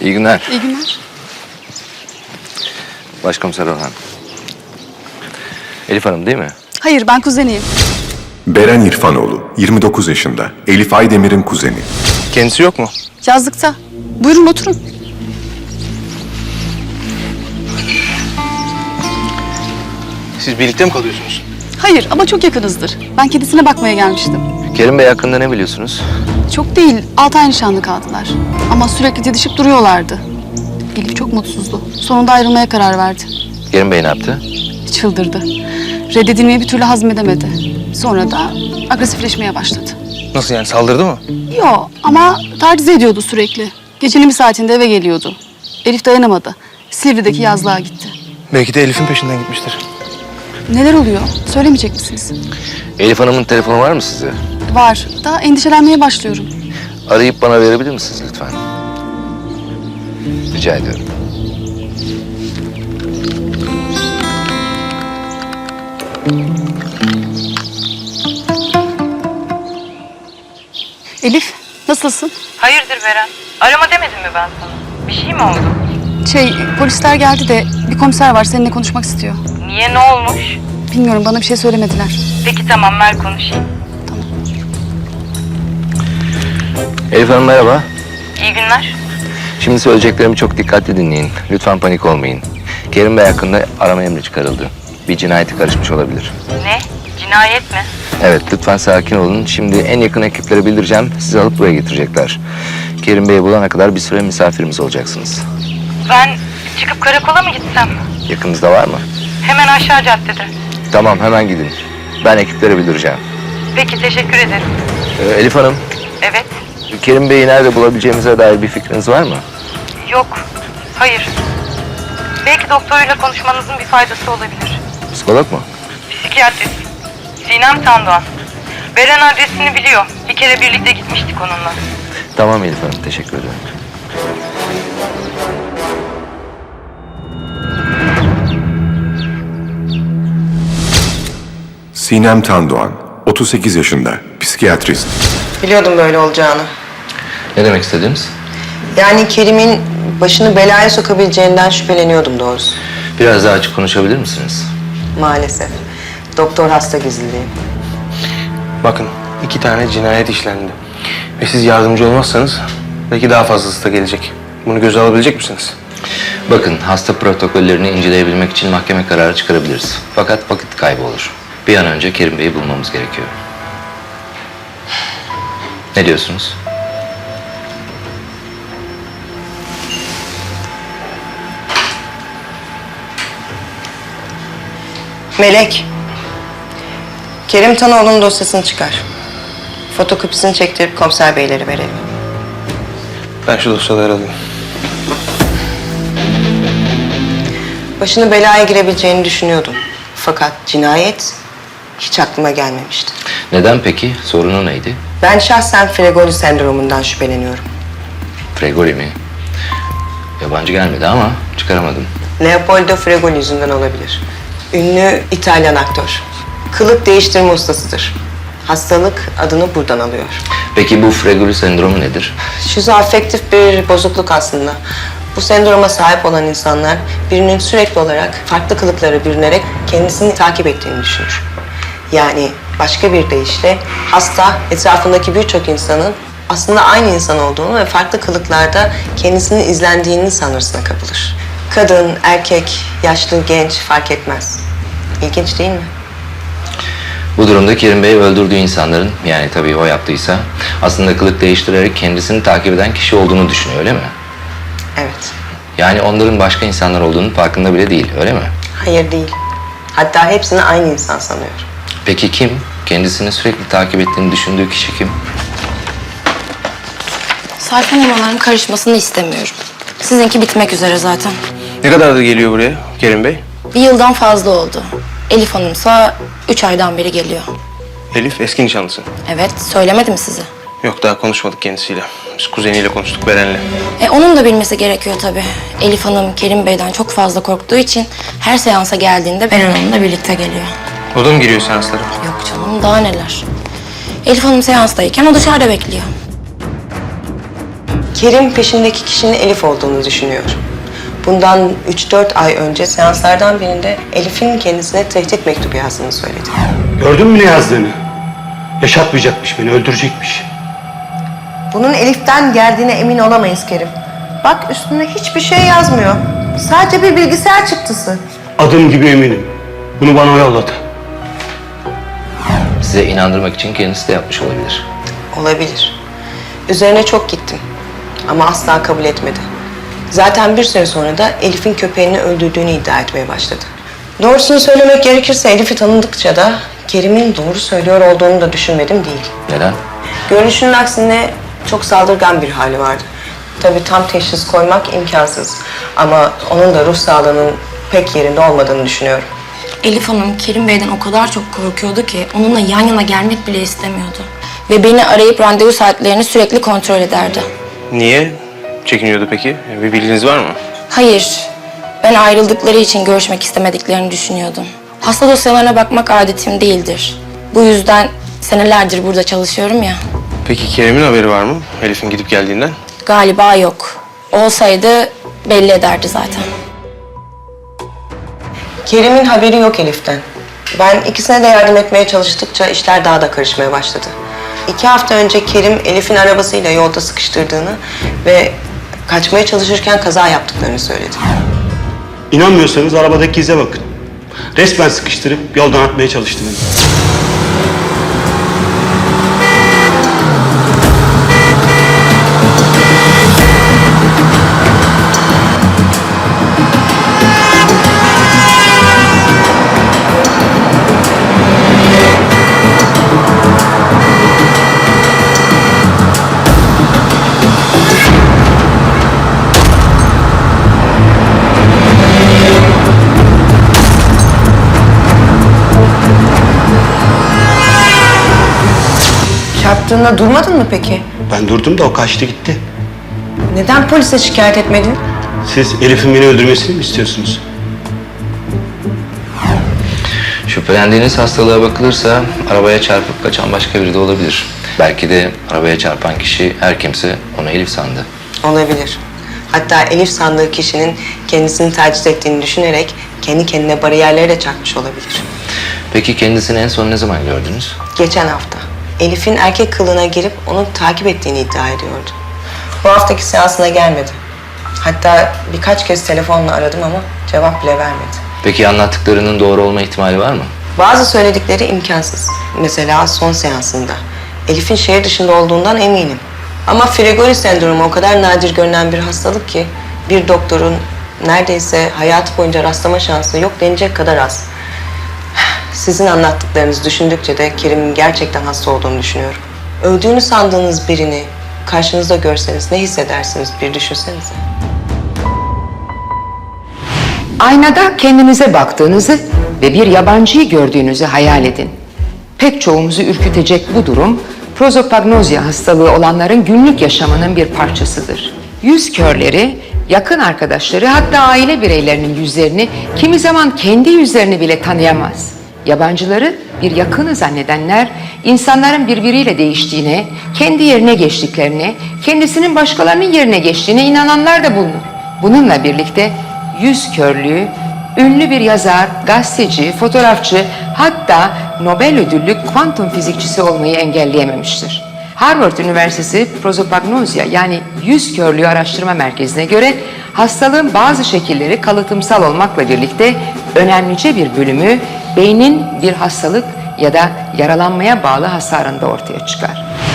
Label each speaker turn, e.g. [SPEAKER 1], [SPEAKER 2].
[SPEAKER 1] İyi günler.
[SPEAKER 2] İyi günler.
[SPEAKER 1] Başkomiser Orhan. Elif Hanım değil mi?
[SPEAKER 2] Hayır, ben kuzeniyim.
[SPEAKER 3] Beren İrfanoğlu, 29 yaşında. Elif Aydemir'in kuzeni.
[SPEAKER 4] Kendisi yok mu?
[SPEAKER 2] Yazlıkta. Buyurun oturun.
[SPEAKER 4] Siz birlikte mi kalıyorsunuz?
[SPEAKER 2] Hayır ama çok yakınızdır. Ben kedisine bakmaya gelmiştim.
[SPEAKER 1] Kerim Bey hakkında ne biliyorsunuz?
[SPEAKER 2] Çok değil, 6 ay nişanlı kaldılar. Ama sürekli didişip duruyorlardı. Elif çok mutsuzdu. Sonunda ayrılmaya karar verdi.
[SPEAKER 1] Kerim Bey ne yaptı?
[SPEAKER 2] Çıldırdı. Reddedilmeyi bir türlü hazmedemedi. Sonra da agresifleşmeye başladı.
[SPEAKER 4] Nasıl yani, saldırdı mı?
[SPEAKER 2] Yo ama taciz ediyordu sürekli. Gecenin bir saatinde eve geliyordu. Elif dayanamadı. Silivri'deki yazlığa gitti.
[SPEAKER 4] Belki de Elif'in peşinden gitmiştir.
[SPEAKER 2] Neler oluyor? Söylemeyecek misiniz?
[SPEAKER 1] Elif Hanım'ın telefonu var mı size?
[SPEAKER 2] Var. Daha endişelenmeye başlıyorum.
[SPEAKER 1] Arayıp bana verebilir misiniz lütfen? Rica ediyorum.
[SPEAKER 2] Elif, nasılsın?
[SPEAKER 5] Hayırdır Beren? Arama demedim mi ben sana? Bir şey mi oldu?
[SPEAKER 2] Polisler geldi de bir komiser var seninle konuşmak istiyor.
[SPEAKER 5] Niye, ne olmuş?
[SPEAKER 2] Bilmiyorum, bana bir şey söylemediler.
[SPEAKER 5] Peki tamam, ver konuşayım.
[SPEAKER 1] Elif Hanım merhaba.
[SPEAKER 5] İyi günler.
[SPEAKER 1] Şimdi söyleyeceklerimi çok dikkatli dinleyin. Lütfen panik olmayın. Kerim Bey hakkında arama emri çıkarıldı. Bir cinayete karışmış olabilir.
[SPEAKER 5] Ne? Cinayet mi?
[SPEAKER 1] Evet, lütfen sakin olun. Şimdi en yakın ekiplere bildireceğim. Sizi alıp buraya getirecekler. Kerim Bey'i bulana kadar bir süre misafirimiz olacaksınız.
[SPEAKER 5] Ben çıkıp karakola mı gitsem?
[SPEAKER 1] Yakınızda var mı?
[SPEAKER 5] Hemen aşağı caddede.
[SPEAKER 1] Tamam, hemen gidin. Ben ekiplere bildireceğim.
[SPEAKER 5] Peki, teşekkür ederim.
[SPEAKER 1] Elif Hanım,
[SPEAKER 5] Evet.
[SPEAKER 1] Kerim Bey'i nerede bulabileceğimize dair bir fikriniz var mı?
[SPEAKER 5] Yok. Hayır. Belki doktoruyla konuşmanızın bir faydası olabilir.
[SPEAKER 1] Psikolog mu?
[SPEAKER 5] Psikiyatrist. Sinem Tandoğan. Beren adresini biliyor. Bir kere birlikte gitmiştik onunla.
[SPEAKER 1] Tamam Elif Hanım, teşekkür ederim.
[SPEAKER 3] Sinem Tandoğan, 38 yaşında. Psikiyatrist.
[SPEAKER 6] Biliyordum böyle olacağını.
[SPEAKER 1] Ne demek istediniz?
[SPEAKER 6] Yani Kerim'in başını belaya sokabileceğinden şüpheleniyordum doğrusu.
[SPEAKER 1] Biraz daha açık konuşabilir misiniz?
[SPEAKER 6] Maalesef. Doktor hasta gizliliği.
[SPEAKER 4] Bakın, 2 tane cinayet işlendi. Ve siz yardımcı olmazsanız belki daha fazlası da gelecek. Bunu göze alabilecek misiniz?
[SPEAKER 1] Bakın, hasta protokollerini inceleyebilmek için mahkeme kararı çıkarabiliriz. Fakat vakit kaybı olur. Bir an önce Kerim Bey'i bulmamız gerekiyor. Ne diyorsunuz?
[SPEAKER 6] Melek. Kerim Tanoğlu'nun dosyasını çıkar. Fotokopisini çektirip komiser beylere verelim.
[SPEAKER 4] Ben şu dosyaları alayım.
[SPEAKER 6] Başını belaya girebileceğini düşünüyordum. Fakat cinayet hiç aklıma gelmemişti.
[SPEAKER 1] Neden peki? Sorunu neydi?
[SPEAKER 6] Ben şahsen Fregoli sendromundan şüpheleniyorum.
[SPEAKER 1] Fregoli mi? Yabancı gelmedi ama çıkaramadım.
[SPEAKER 6] Leopoldo Fregoli yüzünden olabilir. Ünlü İtalyan aktör. Kılık değiştirme ustasıdır. Hastalık adını buradan alıyor.
[SPEAKER 1] Peki bu Fregoli sendromu nedir?
[SPEAKER 6] Şizoafektif bir bozukluk aslında. Bu sendroma sahip olan insanlar birinin sürekli olarak farklı kılıklara bürünerek kendisini takip ettiğini düşünür. Yani başka bir deyişle hasta etrafındaki birçok insanın aslında aynı insan olduğunu ve farklı kılıklarda kendisinin izlendiğini sanırsına kapılır. Kadın, erkek, yaşlı, genç fark etmez. İlginç değil mi?
[SPEAKER 1] Bu durumda Kerim Bey öldürdüğü insanların, yani tabii o yaptıysa, aslında kılık değiştirerek kendisini takip eden kişi olduğunu düşünüyor, öyle mi?
[SPEAKER 6] Evet.
[SPEAKER 1] Yani onların başka insanlar olduğunun farkında bile değil, öyle mi?
[SPEAKER 6] Hayır değil. Hatta hepsini aynı insan sanıyor.
[SPEAKER 1] Peki kim? Kendisini sürekli takip ettiğini düşündüğü kişi kim?
[SPEAKER 7] Sayfa numaraların karışmasını istemiyorum. Sizinki bitmek üzere zaten.
[SPEAKER 4] Ne kadar da geliyor buraya Kerim Bey?
[SPEAKER 7] Bir yıldan fazla oldu. Elif Hanım'sa 3 aydan beri geliyor.
[SPEAKER 4] Elif eski nişanlısı.
[SPEAKER 7] Evet, söylemedim size.
[SPEAKER 4] Yok, daha konuşmadık kendisiyle. Biz kuzeniyle konuştuk, Beren'le.
[SPEAKER 7] Onun da bilmesi gerekiyor tabii. Elif Hanım Kerim Bey'den çok fazla korktuğu için her seansa geldiğinde Beren Hanım'la birlikte geliyor.
[SPEAKER 4] O da mı giriyor seanslara?
[SPEAKER 7] Yok canım, daha neler. Elif Hanım seanstayken o dışarıda bekliyor.
[SPEAKER 6] Kerim peşindeki kişinin Elif olduğunu düşünüyor. Bundan 3-4 ay önce seanslardan birinde Elif'in kendisine tehdit mektubu yazdığını söyledi.
[SPEAKER 8] Gördün mü ne yazdığını? Yaşatmayacakmış beni, öldürecekmiş.
[SPEAKER 6] Bunun Elif'ten geldiğine emin olamayız Kerim. Bak üstünde hiçbir şey yazmıyor. Sadece bir bilgisayar çıktısı.
[SPEAKER 8] Adım gibi eminim. Bunu bana o yolladı.
[SPEAKER 1] Size inandırmak için kendisi de yapmış olabilir.
[SPEAKER 6] Olabilir. Üzerine çok gittim. Ama asla kabul etmedi. Zaten bir süre sonra da Elif'in köpeğini öldürdüğünü iddia etmeye başladı. Doğrusunu söylemek gerekirse Elif'i tanıdıkça da Kerim'in doğru söylüyor olduğunu da düşünmedim değil.
[SPEAKER 1] Neden?
[SPEAKER 6] Görünüşünün aksine çok saldırgan bir hali vardı. Tabii tam teşhis koymak imkansız. Ama onun da ruh sağlığının pek yerinde olmadığını düşünüyorum.
[SPEAKER 7] Elif Hanım Kerim Bey'den o kadar çok korkuyordu ki onunla yan yana gelmek bile istemiyordu. Ve beni arayıp randevu saatlerini sürekli kontrol ederdi.
[SPEAKER 4] Niye çekiniyordu peki? Bir bilginiz var mı?
[SPEAKER 7] Hayır, ben ayrıldıkları için görüşmek istemediklerini düşünüyordum. Hasta dosyalarına bakmak adetim değildir. Bu yüzden senelerdir burada çalışıyorum ya.
[SPEAKER 4] Peki Kerim'in haberi var mı Elif'in gidip geldiğinden?
[SPEAKER 7] Galiba yok. Olsaydı belli ederdi zaten.
[SPEAKER 6] Kerim'in haberi yok Elif'ten. Ben ikisine de yardım etmeye çalıştıkça işler daha da karışmaya başladı. 2 hafta önce Kerim Elif'in arabasıyla yolda sıkıştırdığını ve kaçmaya çalışırken kaza yaptıklarını söyledi.
[SPEAKER 8] İnanmıyorsanız arabadaki ize bakın. Resmen sıkıştırıp yoldan atmaya çalıştı beni.
[SPEAKER 6] Çarptığında durmadın mı peki?
[SPEAKER 8] Ben durdum da o kaçtı gitti.
[SPEAKER 6] Neden polise şikayet etmedin?
[SPEAKER 8] Siz Elif'in beni öldürmesini mi istiyorsunuz?
[SPEAKER 1] Şüphelendiğiniz hastalığa bakılırsa arabaya çarpıp kaçan başka biri de olabilir. Belki de arabaya çarpan kişi her kimse onu Elif sandı.
[SPEAKER 6] Olabilir. Hatta Elif sandığı kişinin kendisini taciz ettiğini düşünerek kendi kendine bariyerleri de çakmış olabilir.
[SPEAKER 1] Peki kendisini en son ne zaman gördünüz?
[SPEAKER 6] Geçen hafta Elif'in erkek kılığına girip onu takip ettiğini iddia ediyordu. Bu haftaki seansına gelmedi. Hatta birkaç kez telefonla aradım ama cevap bile vermedi.
[SPEAKER 1] Peki anlattıklarının doğru olma ihtimali var mı?
[SPEAKER 6] Bazı söyledikleri imkansız. Mesela son seansında. Elif'in şehir dışında olduğundan eminim. Ama Frigori sendromu o kadar nadir görünen bir hastalık ki bir doktorun neredeyse hayatı boyunca rastlama şansı yok denecek kadar az. Sizin anlattıklarınızı düşündükçe de Kerim'in gerçekten hasta olduğunu düşünüyorum. Öldüğünü sandığınız birini karşınızda görseniz ne hissedersiniz bir düşünsenize.
[SPEAKER 9] Aynada kendinize baktığınızı ve bir yabancıyı gördüğünüzü hayal edin. Pek çoğumuzu ürkütecek bu durum, prozopagnozya hastalığı olanların günlük yaşamının bir parçasıdır. Yüz körleri, yakın arkadaşları hatta aile bireylerinin yüzlerini kimi zaman kendi yüzlerini bile tanıyamaz. Yabancıları bir yakını zannedenler, insanların birbiriyle değiştiğine, kendi yerine geçtiklerine, kendisinin başkalarının yerine geçtiğine inananlar da bulunur. Bununla birlikte yüz körlüğü, ünlü bir yazar, gazeteci, fotoğrafçı, hatta Nobel ödüllü kuantum fizikçisi olmayı engelleyememiştir. Harvard Üniversitesi Prozopagnozya yani yüz körlüğü araştırma merkezine göre hastalığın bazı şekilleri kalıtımsal olmakla birlikte önemlice bir bölümü beynin bir hastalık ya da yaralanmaya bağlı hasarında ortaya çıkar.